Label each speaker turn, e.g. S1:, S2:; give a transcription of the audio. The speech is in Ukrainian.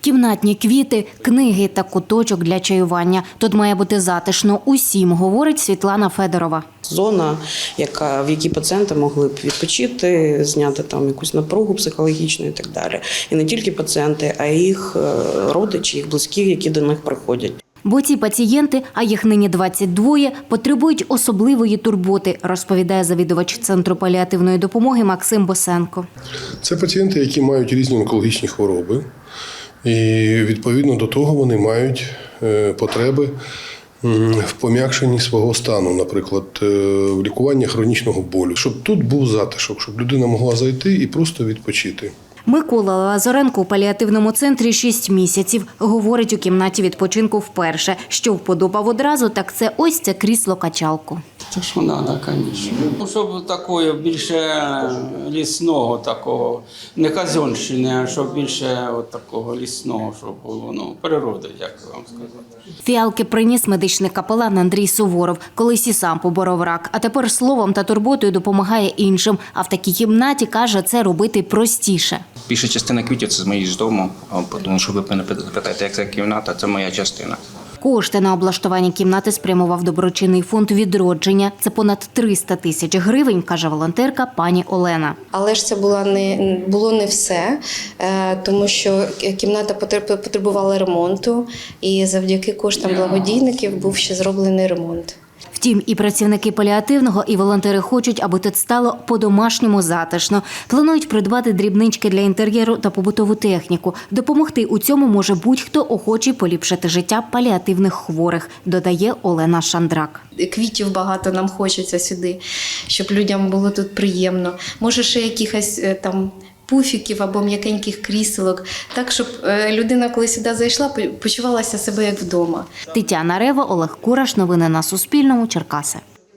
S1: кімнатні квіти, книги та куточок для чаювання. Тут має бути затишно усім, говорить Світлана Федорова.
S2: Зона, в якій пацієнти могли б відпочити, зняти там якусь напругу психологічну і так далі. І не тільки пацієнти, а й їх родичі, їх близькі, які до них приходять.
S1: Бо ці пацієнти, а їх нині 22, потребують особливої турботи, розповідає завідувач Центру паліативної допомоги Максим Босенко.
S3: Це пацієнти, які мають різні онкологічні хвороби, і відповідно до того вони мають потреби в пом'якшенні свого стану, наприклад, в лікуванні хронічного болю. Щоб тут був затишок, щоб людина могла зайти і просто відпочити.
S1: Микола Лазаренко у паліативному центрі 6 місяців. Говорить, у кімнаті відпочинку вперше. Що вподобав одразу, так це ось це крісло-качалку.
S4: Це що треба, звісно. Щоб такого більше лісного, такого, не казенщини, а щоб більше от такого лісного, щоб було, природи, як вам сказати.
S1: Фіалки приніс медичний капелан Андрій Суворов. Колись і сам поборов рак, а тепер словом та турботою допомагає іншим. А в такій кімнаті, каже, це робити простіше.
S5: Більша частина квітів – це з моєї з дому, тому що ви мене питаєте, як ця кімната, це моя частина.
S1: Кошти на облаштування кімнати спрямував доброчинний фонд «Відродження». Це понад 300 тисяч гривень, каже волонтерка пані Олена.
S6: Але ж це було не все, тому що кімната потребувала ремонту, і завдяки коштам благодійників був ще зроблений ремонт.
S1: Втім, і працівники паліативного, і волонтери хочуть, аби тут стало по-домашньому затишно. Планують придбати дрібнички для інтер'єру та побутову техніку. Допомогти у цьому може будь-хто охочий поліпшити життя паліативних хворих, додає Олена Шандрак.
S6: Квітів багато нам хочеться сюди, щоб людям було тут приємно. Може, ще якихось там пуфіків або м'якеньких кріселок, так, щоб людина, коли сюди зайшла, почувалася себе як вдома.
S1: Тетяна Рева, Олег Кураш. Новини на Суспільному. Черкаси.